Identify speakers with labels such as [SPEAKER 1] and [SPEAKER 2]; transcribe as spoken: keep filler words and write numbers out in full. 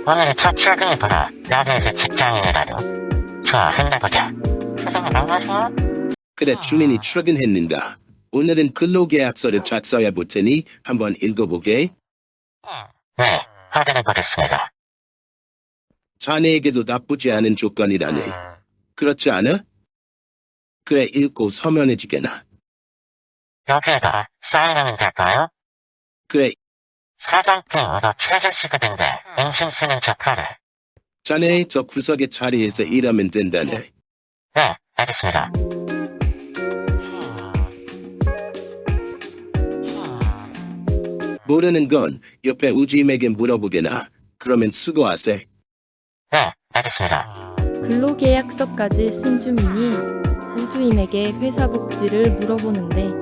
[SPEAKER 1] 오늘은 첫 출근이구나. 나도 이제 직장인이라도. 좋아, 힘내보자. 선생님 안녕하세요.
[SPEAKER 2] 그래, 주민이 출근했는가? 오늘은 근로계약서를 작성해 볼 테니 한번 읽어보게.
[SPEAKER 1] 네, 확인해보겠습니다.
[SPEAKER 2] 자네에게도 나쁘지 않은 조건이라네. 그렇지 않아? 그래, 읽고 서면해지게나.
[SPEAKER 1] 여기에다 사인하면 될까요?
[SPEAKER 2] 그래,
[SPEAKER 1] 사장님으로 최저시급인데 인신 쓰는 척하래.
[SPEAKER 2] 자네 저 구석의 자리에서 일하면 된다네.
[SPEAKER 1] 네, 알겠습니다.
[SPEAKER 2] 모르는 건 옆에 우지임에게 물어보게나. 그러면 수고하세.
[SPEAKER 1] 네, 알겠습니다.
[SPEAKER 3] 근로계약서까지 쓴 주민이 우주임에게 회사 복지를 물어보는데